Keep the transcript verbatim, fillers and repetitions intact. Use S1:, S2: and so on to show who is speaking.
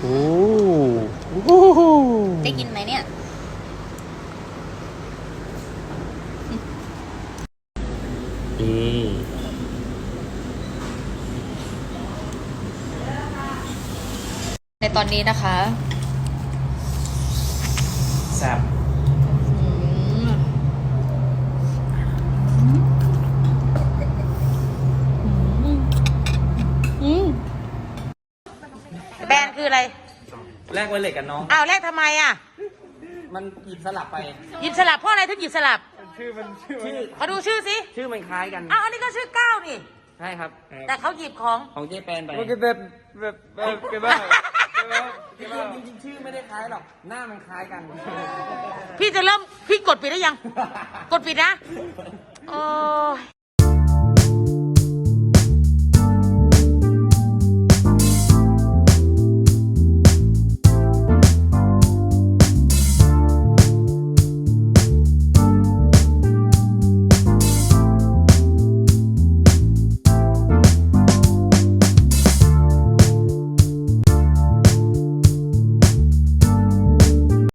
S1: โอ้โห
S2: ได้กินไหมเนี่ย
S1: นี่
S2: ในตอนนี้นะคะ
S1: แซ่บ
S3: แบรนด์คืออะไร
S1: แลกไวเลสกันน้อง
S3: อ้าวแลกทำไมอ่ะ
S1: มันหยิบสลับไป
S3: หยิบสลับเพราะอะไรถึงหยิบสลับ
S1: ชื่อมันชื่อมัน
S3: ขอดูชื่อสิ
S1: ชื่อมันคล้ายกัน
S3: อ้าวอันนี้ก็ชื่อก้าวนี่
S1: ใช่ครับ
S3: แต่เขาหยิบของ
S1: ของเจแปนไป
S4: มันก็แบบแบบแบบเก็บบ้าเก็บบ้า
S1: จริงๆชื่อไม่ได้คล้ายหรอก หน้ามันคล้ายกัน
S3: พี่จะเริ่มพี่กดปิดได้ยัง กดปิดนะ โอ้ย